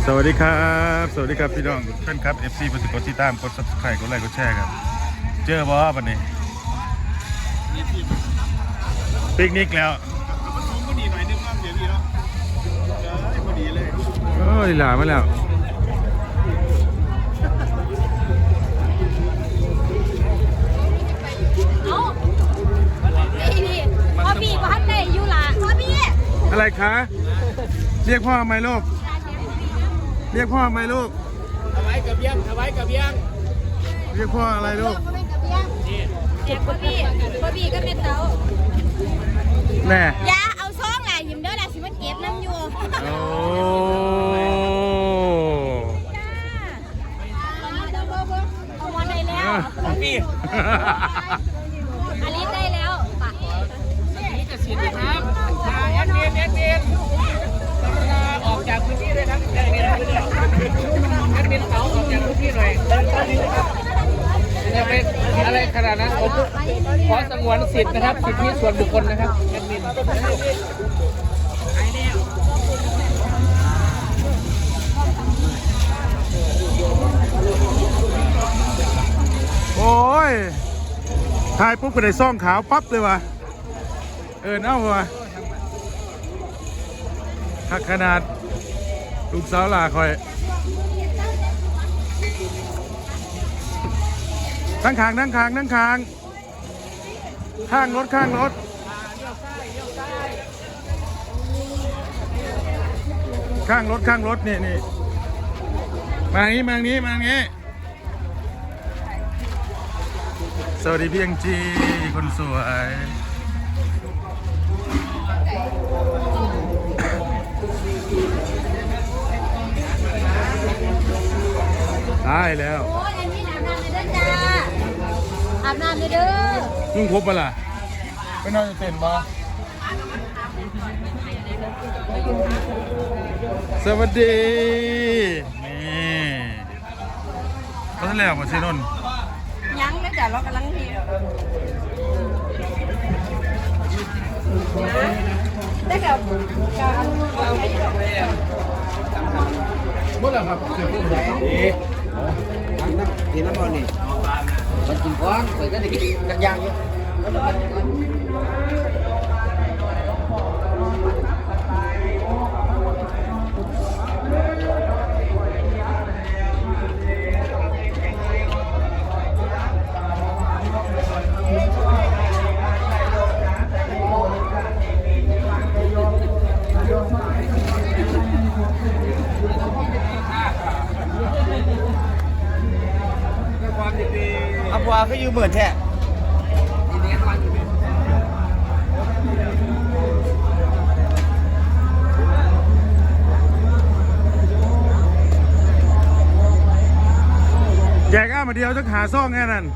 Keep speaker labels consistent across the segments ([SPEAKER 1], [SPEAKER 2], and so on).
[SPEAKER 1] สวัสดีครับสวัสดีครับพี่น้องเพื่อนครับ FC กดติดตามกด Subscribe กดไลค์กดแชร์ครับเจอบ่วันนี้ปิกนิกแล้วโอ้ยหลามาแล้ว
[SPEAKER 2] พ่อพี่พ่อท่านได้อยู่ล่ะพ่อพี่
[SPEAKER 1] อะไรคะเรียกพ่อไหมลูกเรียกพ่อไหมลูก
[SPEAKER 3] ถวายกับยังถวายกับยัง
[SPEAKER 1] เรียกพ่ออะไรลูก
[SPEAKER 2] เจ็บพ่อพี่ก็เป็นเต๋า
[SPEAKER 1] แน่
[SPEAKER 2] ยาเอาซองแหละยิ้มเด้อแหละสิมันเก็บน้ำอยู่
[SPEAKER 1] โอ้
[SPEAKER 2] เอาวันได้แล้ว
[SPEAKER 3] พี่
[SPEAKER 2] อันนี้ได้แล้วปะ
[SPEAKER 3] นี่จะเสียดีครับแอดมินกรุณาออกจากพื้นที่เลยครับแอดมินเต๋าออกจากพื้นที่หน่อยจะเป็นอะไรขนาดนั้นผมขอสงวนสิทธิ์นะครับสิทธิส่วนบุคคลนะครับแอดมิน
[SPEAKER 1] โอ้ยถ่ายปุ๊บก็ได้ซ่องขาวปั๊บเลยวะเน่าวะหักขนาดลูกสาวหล่าคอยนั่งคางข้างรถข้างรถข้างรถนี่มาอย่างนี้สวัสดีพี่ยังจีคนสวยได้แล้ว
[SPEAKER 2] โอ้ยอันนี้อาบน้ำเลยเด้อจ้าอาบน้ำเลยเด้อ
[SPEAKER 1] นุ่งครบปะล่ะไม่นอนจะเต้นบ่สวัสดีนี่ก็ท่านแล้วมาซีนน
[SPEAKER 2] ยังเลยจ้ะเรากำลังทีได้กับการ
[SPEAKER 1] หมดแล้วครับเสือผู้ใหญ่
[SPEAKER 3] ทีน้ำมันนี่มันกินก้อนเคยก็ได้กินกันยางเยอะอับวาก็อยู่เหมือนแท้
[SPEAKER 1] แจกมาเดียวจะหาซ่องแค่นั้น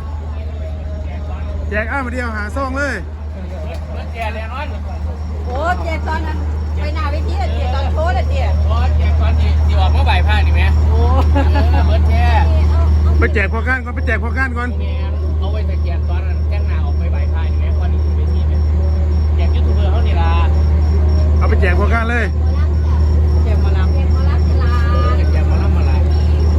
[SPEAKER 1] แจกมาเดียวหาซ่องเลย
[SPEAKER 3] แจกแน่นอน
[SPEAKER 2] โอ้เจ๊ตอนนั้นไปหน้าเวทีเจ๊ตอนโพสเจ๊
[SPEAKER 3] แจกตอนที่ออกมาบ่ายผ้านี่ไหมโอ้เหมือนแจก
[SPEAKER 1] ไปแจกพอก้านก่อน
[SPEAKER 3] เอาไว้แต่แจกตอนนั้นแจ้งหน้าออกไปบ่ายผ้านี่ไหมตอนนี้ไปที่เนี่ยแจกยูทูบเบอร์เขานี่ล่ะ
[SPEAKER 1] เอาไปแจกพอก้านเลย
[SPEAKER 3] แจกมาลำ
[SPEAKER 2] เ
[SPEAKER 3] แจกมาลำมาลำ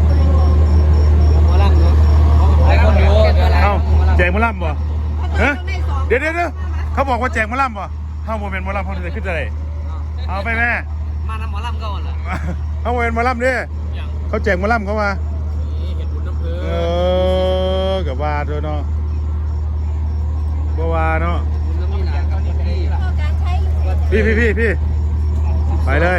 [SPEAKER 3] เนาะหลายคนอยู่
[SPEAKER 1] เอาแจกมะล่ำบ่เดี๋ยวเขาบอกว่าแจกมะล่ำบ่เข้าโมเมนต์มะล่ำเขาจะขึ้นอะไรเอาไปแม่
[SPEAKER 3] มาทำหมอลำก่อนเหรอ
[SPEAKER 1] เอาโมเมนต์มะล่ำดิเขาแจกมะล่ำเขามา
[SPEAKER 3] เห็นบุญน้ำเพ
[SPEAKER 1] ลินกับว่าด้วยเนาะบัวเนาะพี่ไปเลย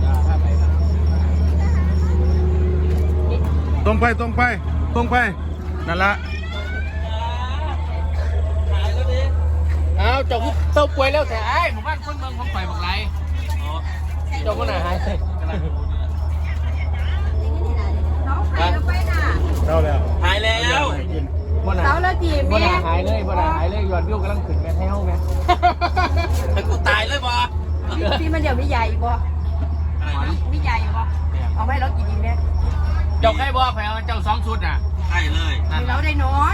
[SPEAKER 1] ตรงไปนั่นละ
[SPEAKER 3] เอาเจ้าเต้าป่วยแล้วแต่ไอ้หมู่บ้านคนเมืองของฝ่ายบอกไรเจ้าคนไหนหาย
[SPEAKER 1] เท่าแล้ว
[SPEAKER 3] หายแล้ว
[SPEAKER 2] เสาแล้วจีบแม่
[SPEAKER 3] หายเลยยอดวิวกำลังขึ้นแม่เท่าแม่แต่กูตายเลยบ่
[SPEAKER 2] พี่มันเดี๋ยวมีใหญ่บ่มีใหญ่บ่เอาไว้เรากินดีแม่
[SPEAKER 3] เจ้าใครบอกแผลเจ้า2 ชุดน่ะใช่เลย
[SPEAKER 2] เราได้นอน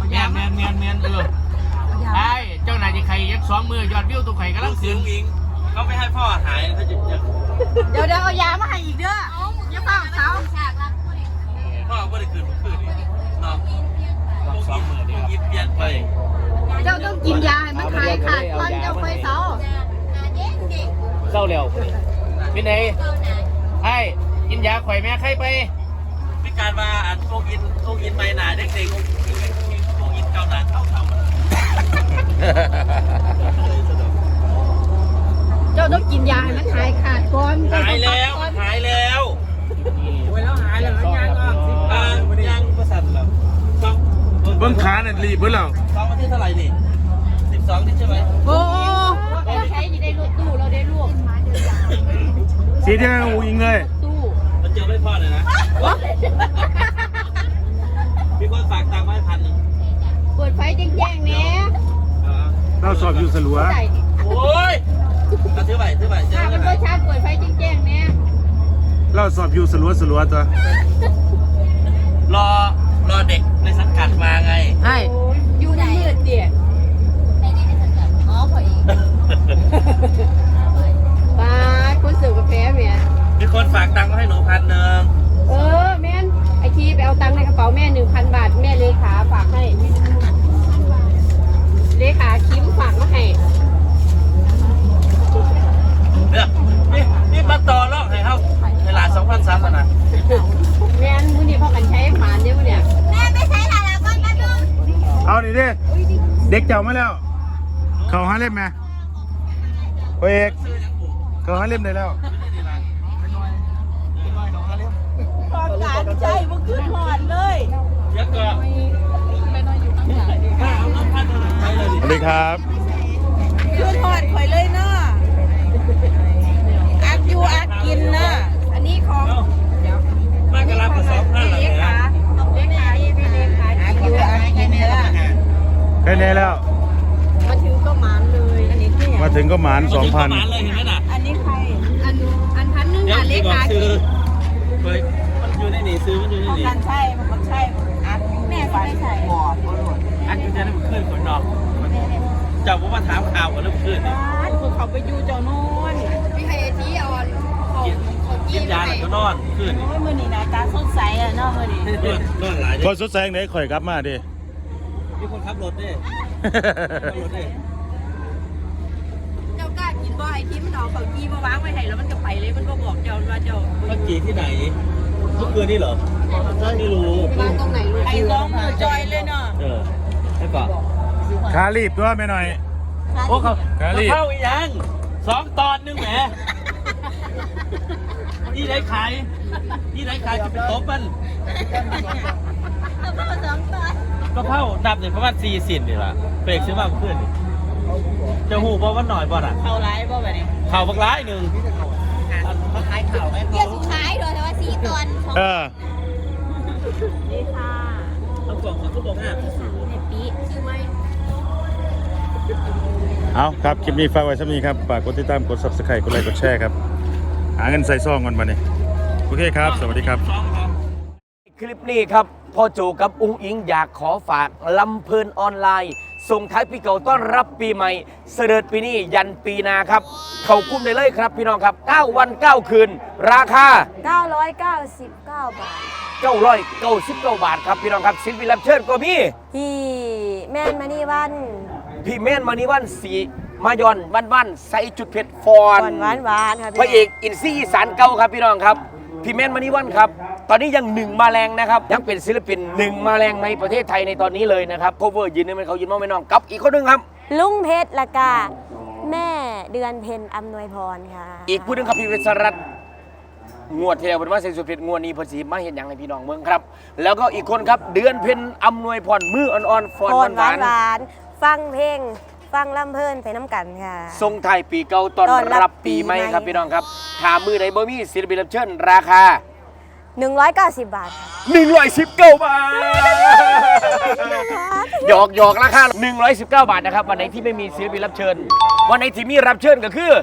[SPEAKER 3] แมนไอ้เจ้านายจะใครยัก2 มือยอดวิวตัวไข่กำลังขึ้นเขาไม่ให้พ่อหายเขาจะ
[SPEAKER 2] เดี๋ยวเอายามาให้อีกเด้ออย่าเฝ้าเสา
[SPEAKER 3] พ่อไม่ได้คืนเนาะ2 มื้อยิบเปลี่ยนไป
[SPEAKER 2] เจ้าต้องกินยาให้มันหายขาดก่อนเจ้าค่อยเสา
[SPEAKER 3] เศร้าเร็วเป็นไงไอ้กินยาข่อยแม่ใครไปพิการมาอันโคกินไปหนาเด็กๆโคกินเกาหนาเข้า
[SPEAKER 2] เจ้าต้องกินยาให้มันหายขาดก่อน
[SPEAKER 3] หายแล้วหายแล้วไว้แล้วหายแล้วยังประสันแล้ว
[SPEAKER 1] เบิ้งขาเนี่ยรีบเบิ้งแล้ว
[SPEAKER 3] 2 วันที่เท่าไหร่นี่12นี่ใช่ไหม
[SPEAKER 2] โอ้เราใช้ยี่ได้ลูกตู้เราได้ลูก
[SPEAKER 1] สีเดียวกับอูอิงเลย
[SPEAKER 2] ตู้
[SPEAKER 3] มันเจอไม่พอเลยนะมีคนฝากตังค์ไว้1,000
[SPEAKER 2] เปิดไฟแจ้งๆเนี่ย
[SPEAKER 1] เราสอบอยู่สลัว
[SPEAKER 3] โอ้ยถือไปเจ
[SPEAKER 2] ถ้า
[SPEAKER 3] อ
[SPEAKER 2] มันก็ชาเปิดไฟแจ้งๆเนี่ย
[SPEAKER 1] เราสอบอยู่สลัวตัว
[SPEAKER 3] รอเด็กในสังกัดมาไง
[SPEAKER 2] ใช่อยู่ในมืดเดี่ยอ๋อพออีกป้าคนเสิร์ฟกาแฟเมีย
[SPEAKER 3] มีคนฝากตังค์มาให้หนู1,000
[SPEAKER 2] แม่นไอทีไปเอาตังค์ในกระเป๋าแม่ 1,000 บาทแม่เลขาฝากให้เลขาคิมฝากมาให้
[SPEAKER 3] นี่มาต่อรอบให้เขาในหลาน2,300นะ
[SPEAKER 2] แม่นมื้อนี้พ่อกันใช้หมานเด้อมื้อเนี่ยแม่ไปใช้หลานก่อนแป๊บนึง
[SPEAKER 1] เอาดิดิเด็กเจ้ามาแล้ว เขาหาเล่มไหมโอ้ยเอกเขาหาเล่มได้แล้ว
[SPEAKER 2] ความการใจมันขึ้นหอดเลย
[SPEAKER 3] เยอะเกิน
[SPEAKER 1] สวัสดีครับ
[SPEAKER 2] ขึ้นหอดข่อยเลยเนาะอักอยู่อักกินเนาะอันนี้ของ
[SPEAKER 3] มากระลากับ2,000เลยนะ
[SPEAKER 2] อักอยู่อักกินเนาะ
[SPEAKER 1] แค่นี้แล้ว
[SPEAKER 2] มาถึงก็หมานเลยอันนี้คือ
[SPEAKER 1] มาถึงก็หมาน
[SPEAKER 3] เลยเห็นไหม
[SPEAKER 1] 2,000
[SPEAKER 3] น่ะ
[SPEAKER 2] อันนี้ใครอันพันหนึ่ง
[SPEAKER 3] เดี๋ยว
[SPEAKER 2] อ่ะเล
[SPEAKER 3] ที่บอก
[SPEAKER 2] ขา
[SPEAKER 3] ซื้อเฮ้ยมันอยู่ในนี่ซื้อมันอยู่ในนี่
[SPEAKER 2] มันใช่อักอยู่แม่ก็ไม่ใช่บอก
[SPEAKER 3] อันอยู่จะได้มันขึ้นคนดอกเจ้าผมมาถามข่าวกันแล้วขึ้นนี่
[SPEAKER 2] เขาไปอยู่เจ้าโน่นพี่ไฮที่เอาเขา
[SPEAKER 3] กินยาแล้วก็นอนขึ้นนี่
[SPEAKER 2] โอ้ยมือนี่นะตาสดใสอ่ะเนาะมือนี่
[SPEAKER 3] นอนหลาย
[SPEAKER 1] พอสุดแสงไหนข่อยกลับมาดิ
[SPEAKER 3] มีคนขับรถด้วยขับรถด้วย
[SPEAKER 2] เจ้ากล้ากินบ่ไอ้ที่มันเอาเขาจี้มาวางไว้ให้แล้วมันก็ไปเลยมันก็บอกเจ้าว่าเจ้า
[SPEAKER 3] เมื่อกี้ที่ไหนเมื่อคืนนี่เหรอไม่รู้
[SPEAKER 2] วางตรงไหนลูกไอ้ร้องมือจอยเลยเนาะ
[SPEAKER 3] ให้ก่อน
[SPEAKER 1] ขารีบตัวไม่หน่อย
[SPEAKER 3] โอ้เขา
[SPEAKER 1] กะหรี่
[SPEAKER 3] เข้าอีกยัง2 ตอนนึงแหมนี่ได้ขายจะเป็นโต๊ะมันก็เข้านับเนี่ยประมาณ40นี่ล่ะเฟกซื้อมาเพื่อนนี่จะหูบ่ว่าหน่อยบ่อ่ะ
[SPEAKER 2] เขาไลฟ์บ่แบบนี้
[SPEAKER 3] ข่าวบักร้ายหนึ่งขายข่าวไหม
[SPEAKER 4] เดี๋ยวสุดท้ายโดยแต่ว่าซีตอนของ
[SPEAKER 1] เออ
[SPEAKER 2] นี่ค่ะ
[SPEAKER 3] ต้องบอกเขาบอกห้า
[SPEAKER 2] เนปีชื่อไหม
[SPEAKER 1] เอาครับ คลิปนี้ฝากไว้สักนี้ครับ ฝากกดติดตาม กด subscribe กดไลค์ กดแชร์ครับ หาเงินใส่ซองกันมาเนี่ยโอเคครับ สวัสดีครับ
[SPEAKER 5] คลิปนี้ครับพ่อโจกับอุ้งอิงอยากขอฝากลำเพลินออนไลน์ส่งท้ายปีเก่าต้อนรับปีใหม่เสด็จปีนี้ยันปีหนาครับ เข้ากุ้มได้เลยครับพี่น้องครับ 9 วัน 9 คืน ราคา
[SPEAKER 4] 999 บาท
[SPEAKER 5] 999 บาทครับพี่น้องครับศิลปินรับเชิญก็มี
[SPEAKER 4] ที่แม่นมานี่วัน
[SPEAKER 5] พี่เมนมานิวันสีมายอนวันใส่จุดเผ็ดฟอ
[SPEAKER 4] ก่อน นหวานๆครับ
[SPEAKER 5] พระเอกอินซี่อีสานเก่าครับพี่น้องครับพี่เมนมานิวันครับตอนนี้ยัง1มาแรงนะครับยังเป็นศิลปิน1มาแรงในประเทศไทยในตอนนี้เลยนะครับโคเวอร์ยืนนี่มันเขายืนมองไม่น้องกับอีกคนหนึงครับ
[SPEAKER 4] ลุงเพชรละกาแม่เดือนเพ็ญอำนวยพรค่ะ
[SPEAKER 5] อีกผู้หนึงครับพี่เวสรัตน์งวดเทวเป็นว่าเซนสุดเพชรงวดนี้เพอสีมาเห็นอย่างให้พี่น้องเมืองครับ แล้วก็อีกคนครับเดือนเพ็ญอำนวยพรมืออ่อนๆฟอน
[SPEAKER 4] ก่อน
[SPEAKER 5] หวาน
[SPEAKER 4] หวานๆฟังเพลงฟังลำเพลินไปน้ำกันค่ะ
[SPEAKER 5] ๆทรงไทายปีเก่าตอน
[SPEAKER 4] ต้อนรั
[SPEAKER 5] รับบ
[SPEAKER 4] ปี
[SPEAKER 5] ปีใหม่
[SPEAKER 4] ใหม่
[SPEAKER 5] ครับพี่น้องครับถามมือไหนบ่มีศิลปินรับเชิญราคา
[SPEAKER 4] 190 บาทค่ะ
[SPEAKER 5] 119 บาท หยอกราคา 119 บาทนะครับ วันไหนที่ไม่มีศิลปินรับเชิญ วันไหนที่มีรับเชิญก็คือ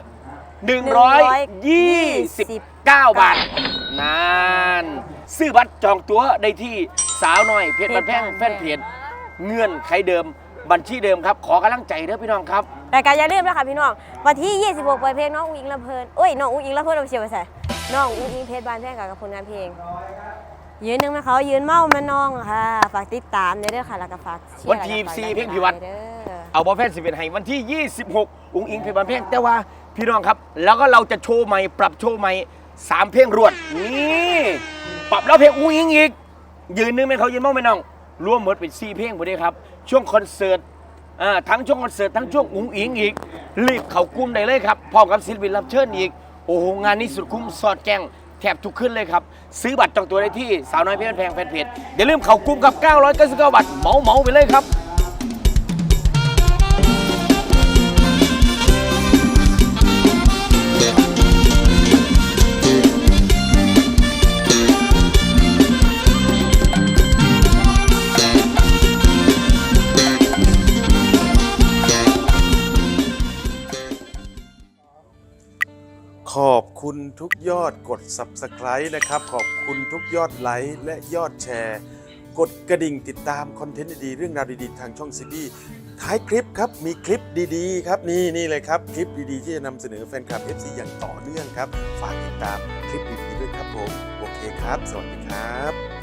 [SPEAKER 5] 129 บาทนานซื้อบัตรจองตั๋วได้ที่สาวน้อยเพจบันแพงแฟนเพจเงื่อนไขเดิมบัญชีเดิมครับขอกำลังใจเด้อพี่น้องครับ
[SPEAKER 4] รายการอย่าลืมนะคะพี่น้องวันที่ 26 ปล่อยเพลงน้องอุ้งอิงลำเพลินน้องอุ้งอิงลำเพลินเอาเชียวไปใส่น้องอุ้งอิงเพชรบานแพงกับผลงานเพลงยืนหนึ่งมาเขายืนเมามาน้องค่ะฝากติดตามเด้อค่ะแล้วก็ฝากเชียร์
[SPEAKER 5] วันที่4เพลงพิวัตร
[SPEAKER 4] เด้อ
[SPEAKER 5] เอาบอลแฟน11ให้วันที่ 26 อุ้งอิงเพลงบานเพลงแต่ว่าพี่น้องครับแล้วก็เราจะโชว์ใหม่ปรับโชว์ใหม่3 เพลงรวดนี่ปรับแล้วเพลงอุ้งอิงอีกยืนหนึ่งให้เขายืนเมาไม่น้องรวมหมดเป็น4 เพลงพอดีครับช่วงคอนเสิร์ตทั้งช่วงคอนเสิร์ตทั้งช่วงอุ้งอิงอีกรีบเข้ากลุ่มได้เลยครับพร้อมกับศิลปินรับเชิญอีกโอ้โหงานนี้สุดคุ้มสอดแกงแทบทุกขึ้นเลยครับซื้อบัตรจองตัวได้ที่สาวน้อยเพชรแพงแฟนเพจอย่าลืมเข้ากลุ่มกับ999 บาทเหมาไปเลยครับ
[SPEAKER 1] ขอบคุณทุกยอดกด Subscribe นะครับขอบคุณทุกยอดไลค์และยอดแชร์กดกระดิ่งติดตามคอนเทนต์ดีๆเรื่องราวดีๆทางช่องซีบีท้ายคลิปครับมีคลิปดีๆครับนี่เลยครับคลิปดีๆที่จะนำเสนอแฟนคลับ FC อย่างต่อเนื่องครับฝากติดตามคลิปดีๆด้วยครับผมโอเคครับสวัสดีครับ